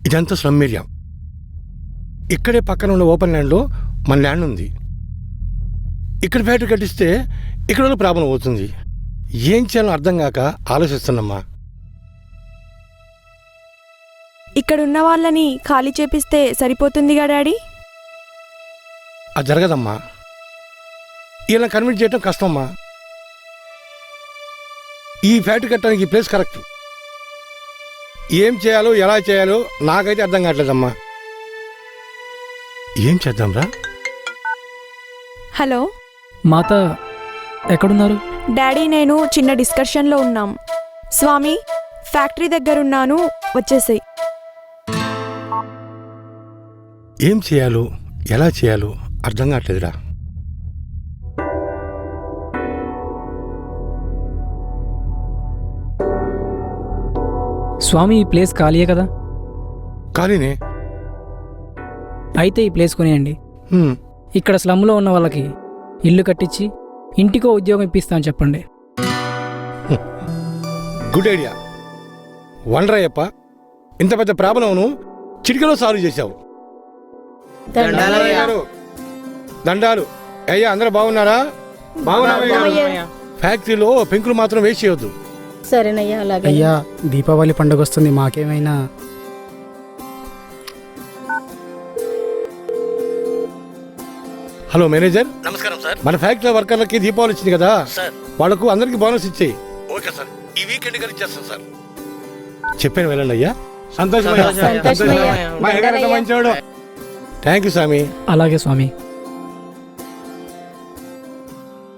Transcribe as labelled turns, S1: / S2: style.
S1: ఇదంతా slum area. ఇక్కడే పక్కన ఉన్న ఓపెన్ ల్యాండ్లో మన ల్యాండ్ ఉంది. ఇక్కడ ఫ్యాక్టరీ కట్టిస్తే ఇక్కడ ప్రాబ్లం అవుతుంది. ఏం చేయాలో అర్థం కాక ఆలోచిస్తున్నమ్మా.
S2: ఇక్కడున్న వాళ్ళని ఖాళీ చేపిస్తే సరిపోతుందిగా డాడీ.
S1: అది జరగదమ్మా. ఇలా కన్విన్స్ చేయడం కష్టమ్మా. ఈ ఫ్యాక్టరీ కట్టడానికి ఈ ప్లేస్ కరెక్ట్. ఏం చేయాలో ఎలా చేయాలో నాకైతే అర్థం కావట్లేదమ్మా. ఏం చేద్దాంరా?
S2: హలో
S3: మాత, ఎక్కడున్నారు?
S2: డాడీ, నేను చిన్న డిస్కషన్లో ఉన్నాం. స్వామి, ఫ్యాక్టరీ దగ్గరున్నాను, వచ్చేసాయి.
S1: ఏం చేయాలో ఎలా చేయాలో అర్థం కావట్లేదురా.
S3: స్వామి, ఈ ప్లేస్ ఖాళీయే కదా?
S1: ఖాళీనే.
S3: అయితే ఈ ప్లేస్ కొనేయండి. ఇక్కడ స్లమ్లో ఉన్న వాళ్ళకి ఇల్లు కట్టించి ఇంటికో ఉద్యోగం ఇప్పిస్తాను చెప్పండి.
S1: Good idea. వండరాయప్ప, ఇంత పెద్ద ప్రాబ్లంను చిటికలో సాల్వ్ చేశావు. దండాలు అయ్యా. అందరూ బాగున్నారా? ఫ్యాక్టరీలో పెంకులు మాత్రం వేస్ట్ చేయొద్దు.
S4: సరేనయ్యా, అలాగే.
S5: అయ్యా, దీపావళి పండుగ వస్తుంది, మాకేమైనా.
S1: Hello manager.
S6: నమస్కారం సార్.
S1: మన ఫ్యాక్టరీ వర్కర్లకి దీపావళి వచ్చింది కదా
S6: సార్,
S1: వాళ్ళకు అందరికి బోనస్ ఇచ్చేయి.
S6: Okay sir.
S1: ఈ వీకెండ్ కానీ ఇచ్చేస్తాను సార్. చెప్పాను వెళ్ళండి అయ్యా.
S4: సంతోషమయ్యా.
S1: థ్యాంక్ యూ స్వామి.
S3: అలాగే స్వామి.